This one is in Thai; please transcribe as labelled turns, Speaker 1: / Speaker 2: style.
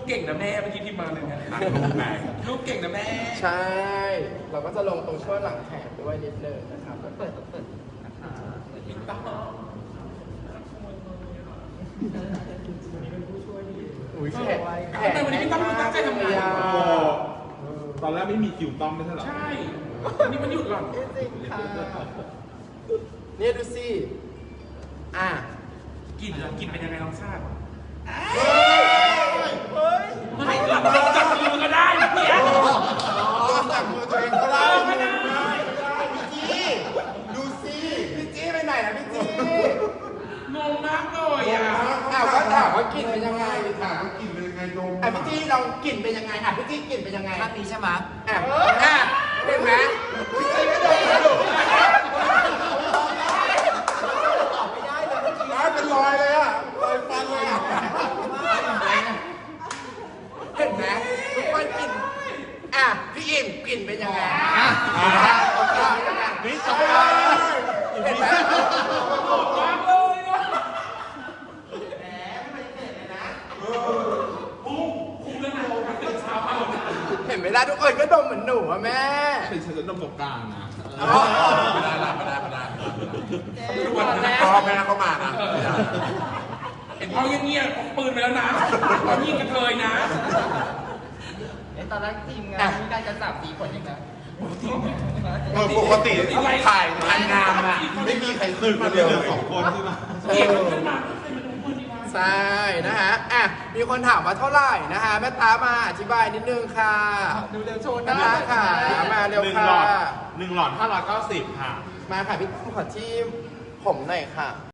Speaker 1: เก่งนะแม่เมื่อกี้ที่มาเลยนะลูกเก่งนะแม่
Speaker 2: ใช่ เราก็จะลงตรงช่วงหลังแขนด้วยนิดนึงนะครับเปิด
Speaker 1: นะคะเห็นปะ
Speaker 2: อุ้ยแขน
Speaker 1: ทำไมวันนี้พี่ต้องตั้งใจทำงาน
Speaker 3: ตอนแรกไม่มีคิวต้อมไม่ใช่หรอ
Speaker 1: ใช่วันนี้มันหยุดหรอ
Speaker 2: จริงค่ะเนี่ยดูสิ
Speaker 1: กินเป็นยังไงน้องชาติ
Speaker 2: เฮ้ย
Speaker 1: ไม่ลงจากมือก็ได้เพี้ย
Speaker 2: ลงจากมือตัวเองก็ได้
Speaker 1: ไม่ได้
Speaker 2: พี่จี้ดูสิพี่จี้ไปไหนนะพี่จี้
Speaker 1: งงมากเลย
Speaker 2: ก็ถามว่ากลิ่นเป็นยังไง
Speaker 3: ถามว่ากลิ่นเป็นยังไงดม
Speaker 2: พี่จี้เรากลิ่นเป็นยังไงพี่จี้กลิ่นเป็นยังไง
Speaker 4: ท่านนี้ใช่ไหม
Speaker 2: เห็นไหมพี่จี้ไม่โดนกระดูกเป็นรอยเลยรอยฟันเลยเห็นไหมทุกคนกลิ่นพี่อิ่มกลิ่นเป็นยังไง
Speaker 3: นี่จบไป
Speaker 2: เห็นไหมเห็นไหมล่ะทุกคนก็ดมเหมือนหนูอะแม่
Speaker 3: เป็นฉันจะดมตกกลางนะ
Speaker 2: ไม่ได้ทุกวันนี้พ่อแม่เข้ามานะ
Speaker 1: เห็นพ่อเงียบๆพกปืนไปแล้วนะตอนยิงกระเทยนะ
Speaker 4: ตอนแรกทีมงานมีการจะจับสีผลยังไง
Speaker 2: ปกติถ่ายงานงามอะไม่มีใครขึ้นมาเดียว
Speaker 3: 2 คนใช่ไหม
Speaker 2: ใช่นะฮะมีคนถามว่าเท่าไหร่นะฮะแม่ตามาอธิบายนิดนึงค่ะ
Speaker 4: ดูเร็วโชว์
Speaker 2: นะค่ะมาเร็วค่ะ
Speaker 3: 1 หลอด590 ค่ะ
Speaker 2: มาค่ะพี่ขอที่ผมหน่อยค่ะ